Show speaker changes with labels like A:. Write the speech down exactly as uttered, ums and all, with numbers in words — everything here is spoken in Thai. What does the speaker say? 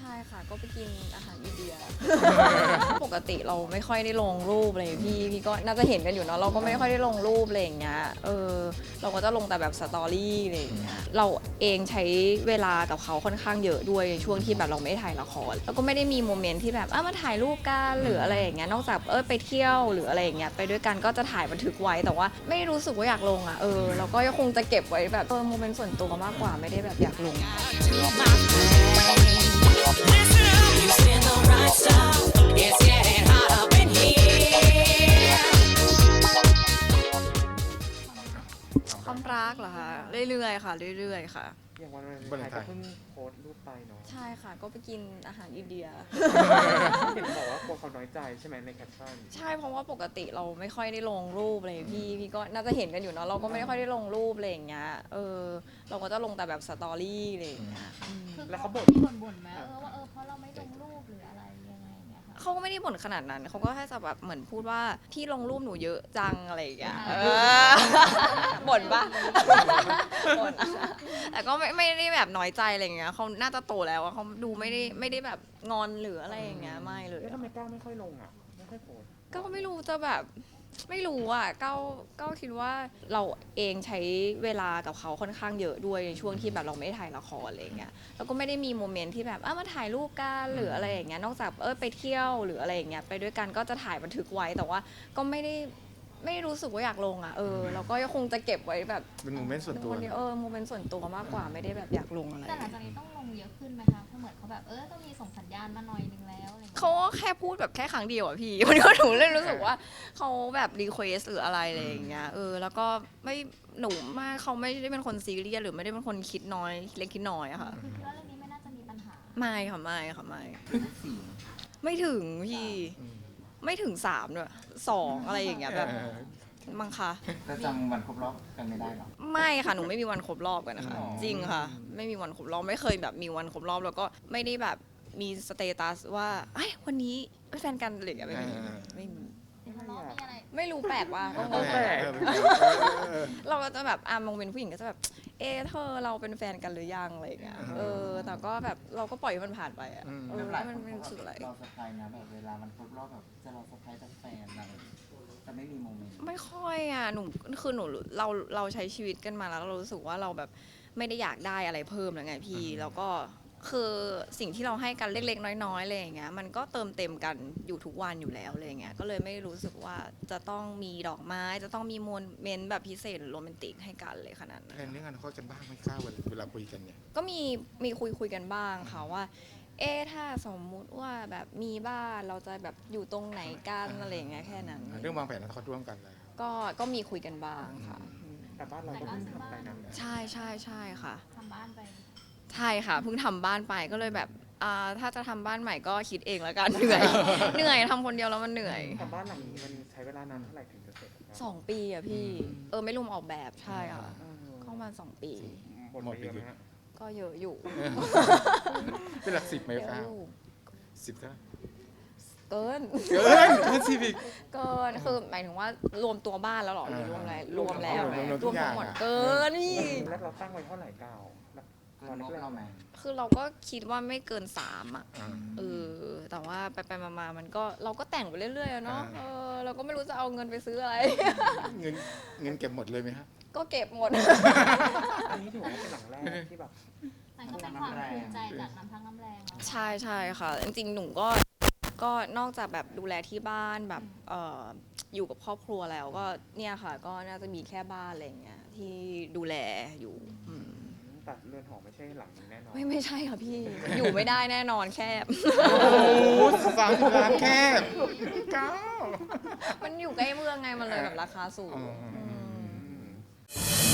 A: ช่ค่ะก็ไปกินอาหารอินเดีย ปกติเราไม่ค่อยได้ลงรูปอะไรพี่พี่ก็น่าจะเห็นกันอยู่เนาะเราก็ไม่ค่อยได้ลงรูปอะไรอย่างเงี้ยเออเราก็จะลงแต่แบบสตอรี่อะไรอย่างเงี้ยเราเองใช้เวลากับเขาค่อนข้างเยอะด้วยในช่วงที่แบบเราไม่ได้ถ่ายละครแล้วก็ไม่ได้มีโมเมนต์ที่แบบเออมาถ่ายรูปกันหรืออะไรอย่างเงี้ยนอกจากเออไปเที่ยวหรืออะไรอย่างเงี้ยไปด้วยกันก็จะถ่ายบันทึกไว้แต่ว่าไม่รู้สึกว่าอยากลงอ่ะเออเราก็คงจะเก็บไว้แบบเออโมเมนต์ส่วนตัวมากกว่าไม่ได้แบบอยากลงความรักเหรอคะเรื่อยๆค่ะเรื่อยๆค่ะ
B: อย่างวันวาเลนไทน์ก็เพิ่งโพสต์รูปไปเนาะ
A: ใช่ค่ะก็ไปกินอาหารอินเดีย
B: เห็นบอกว่ากลัวเขาน้อยใจใช่ไหมในแคปชั่น
A: ใช่เพราะว่าปกติเราไม่ค่อยได้ลงรูปอะไรพี่พี่ก็น่าจะเห็นกันอยู่เนาะเราก็ไม่ค่อยได้ลงรูปอะไรอย่างเงี้ยเออเราก็จะลงแต่แบบสตอรี่อะไรอย่างเงี้ย
B: แล้วเขาบ่น
C: มีบ่นๆไหมเออว่าเออเพราะเราไม่ลงรูปหรืออะไรยังไงอย่างเงี้ยค่ะ
A: เขาก็ไม่ได้บ่นขนาดนั้นเขาก็แค่จะแบบเหมือนพูดว่าที่ลงรูปหนูเยอะจังอะไรอย่างเงี้ยเออบ่นปะบ่นแต่ก็ไม่ไม่ได้แบบน้อยใจอะไรอย่างเงี้ยเขาน่าจะโตแล้วเขาดูไม่ได้ไม่ได้แบบงอนหรืออะไรอย่างเงี้ยไม่เลย
B: แล้วทำไมก้าวไม่ค่อยลงอ่ะไม่ค่อยโพสต์
A: ก็ไม่รู้จะแบบไม่รู้อ่ะก้าวก้าวคิดว่าเราเองใช้เวลากับเขาค่อนข้างเยอะด้วยในช่วงที่แบบเราไม่ได้ถ่ายละครอะไรอย่างเงี้ยแล้วก็ไม่ได้มีโมเมนต์ที่แบบเออมาถ่ายรูปกันหรืออะไรอย่างเงี้ยนอกจากเออไปเที่ยวหรืออะไรอย่างเงี้ยไปด้วยกันก็จะถ่ายบันทึกไว้แต่ว่าก็ไม่ได้ไม่ได้รู้สึกว่าอยากลงอ่ะเออเราก็คงจะเก็บไว้แบบ
D: เป็นโมเมนต์ส่วนตัว
A: วันนี้เออโมเมนต์ส่วนตัวมากกว่าไม่ได้แบบอยากลงอะไร
C: แต่หลังจากนี้ต้องลงเยอะขึ้นไหมคะเพราะเหมือนเขาแบบเออต้องมีส่งสัญญาณมาหน่อยนึงแล้วอะไรอย่างเงี้ย
A: เขาก็แค่พูดแบบแค่ครั้งเดียวอะพี่ มันก็หนูเลยรู้สึกว่าเขาแบบรีเควสหรืออะไรอะไรอย่างเงี้ยเออแล้วก็ไม่หนูมากเขาไม่ได้เป็นคนซีเรียสหรือไม่ได้เป็นคนคิดน้อยเล็กคิดน้อยอะค่ะ
C: คือคิดว่าเรื่องนี้ไม่น่าจะมีปัญหา
A: ไม่ค่ะไม่ค่ะไม่ไม่ถึงพี่ไม่ถึงสามด้วยสองอะไรอย่างเงี้ยแบบมั้งคะ
E: แล้วจำวันครบรอบกันไม่ได้หรอ
A: ไม่ค่ะหนูไม่มีวันครบรอบกันนะคะ
E: อ๋อ
A: จริงค่ะ ไม่มีวันครบรอบไม่เคยแบบมีวันครบรอบแล้วก็ไม่ได้แบบมีสเตตัสว่าไอ้ยวันนี้เป็นแฟนกันอะไรอย่างเงี้ยไม่มีไม่มี
C: ทะเลาะมีอะไร
A: ไม่รู้แปลกว่า
D: เออเออเออ
A: เราก็จะแบบอ่ะมองเป็นผู้หญิงก็จะแบบเอะเธอเราเป็นแฟนกันหรือยังอะไรอย่างเงี้ยเออแต่ก็แบบเราก็ปล่อยให้มันผ่านไปอ่ะเออ
E: ห
A: แล้
E: ลายว ค
A: มัน
E: น
A: ไม่
E: เขา
A: รู้สึกอะไร
E: เราเซอร์ไพรส์นะแบบเวลามันครบรอบแบบจะเราเซอร์ไพรส์แต่แฟนอะไรจะไม่มีโมเมนต์
A: ไม่ค่อยอ่ะหนูคือหนูเราเราใช้ชีวิตกันมาแล้วเรารู้สึกว่าเราแบบไม่ได้อยากได้อะไรเพิ่มแล้วไงพี่แล้วก็คือสิ่งที่เราให้กันเล็กๆน้อยๆอะไรอย่างเงี้ยมันก็เติมเต็มกันอยู่ทุกวันอยู่แล้วอะไรอย่างเงี้ยก็เลยไม่รู้สึกว่าจะต้องมีดอกไม้จะต้องมีโมเมนต์แบบพิเศษหรือโรแมนติกให้กันเลยขนาดนั้น
D: แทนเรื่องอนาคตกันบ้างไหมข้าวเวลาคุยกันเนี่ย
A: ก็มีมีคุยคุยกันบ้างค่ะว่า เอ๊ะถ้าสมมุติว่าแบบมีบ้านเราจะแบบอยู่ตรงไหนกันอะไรอย่างเงี้ยแค่นั้น
D: เรื่องวางแผนอนาคตร่วมกันเลย
A: ก็ก็มีคุยกันบ้างค่ะอืม
B: แต่บ้านเราก็เพิ่งทำไปนะ
A: ใช่ใช่ใช่ค่ะ
C: ทำบ้านไป
A: ใช่ค่ะเพิ่งทำบ้านไปก็เลยแบบอ่าถ้าจะทำบ้านใหม่ก็คิดเองแล้วกันเหนื่อย เหนื่อยทำคนเดียวแล้วมันเหนื่อย
B: แต่บ้านหลังนี้มันใช้เวลานานเท่าไหร่ถึงจะเสร็จครับ
A: สองปีอะพี่เออไม่รวมออกแบบใช่ค่ะ
B: เออ
A: ก็ประมาณสองปี
B: หมดไปเยอะไหมฮะ
A: ก็เยอะอยู่
D: เป็นหลักสิบไหม
A: เยอะ
D: ข้า
A: อ
D: ว
A: ยู่
D: สิบเท่า
A: เกิน
D: เกินเกินสิบอีก
A: เกินคือหมายถึงว่ารวมตัวบ้านแล้วเหรอหรือรวมอะไรรวมแล้ว
D: รวมรวม
A: ร
D: ทุ
A: วม
D: กอย่า
A: ทั้
D: ง
A: งหมด
D: อะ
A: เกินนี่
B: แล้วเราตั้งไว้เท่าไหร่ก้าว
E: เกินงบเราไหม
A: คือเราก็คิดว่าไม่เกินสามอ่ะ
D: อ่า
A: เออแต่ว่าไปไปๆมาๆมันก็เราก็แต่งไปเรื่อยๆอะเนาะ
D: อ่า
A: เออเราก็ไม่รู้จะเอาเงินไปซื้ออะไร
D: เงินเงินเก็บหมดเลยไหมฮะ
A: ก็เก็บหมด
B: อันนี้ถือว่าเป็นหลังแรกที่แบบ
C: มันก็เป็นความภูมิใจจากน้ำพักน้ำแรงเนาะ
A: ใช่ใช่ค่ะ จริงๆ หนูก็ก็นอกจากแบบดูแลที่บ้านแบบเอ่ออยู่กับครอบครัวแล้วก็เนี่ยค่ะ ก็น่าจะมีแค่บ้านอะไรอย่างเงี้ยที่ดูแลอยู่อืม
B: ตัดเรือนหอไม่ใช่หลังนี้แน่นอน
A: ไม่ไม่ใช่ค่ะพี่ อยู่ไม่ได้แน่นอนแคบ
D: โอ้โหสามสิบล้านแค่เก้า
A: มันอยู่ใกล้เมืองไงมันเลยแบบราคาสูง
D: อ๋ออื
A: ม
B: อืม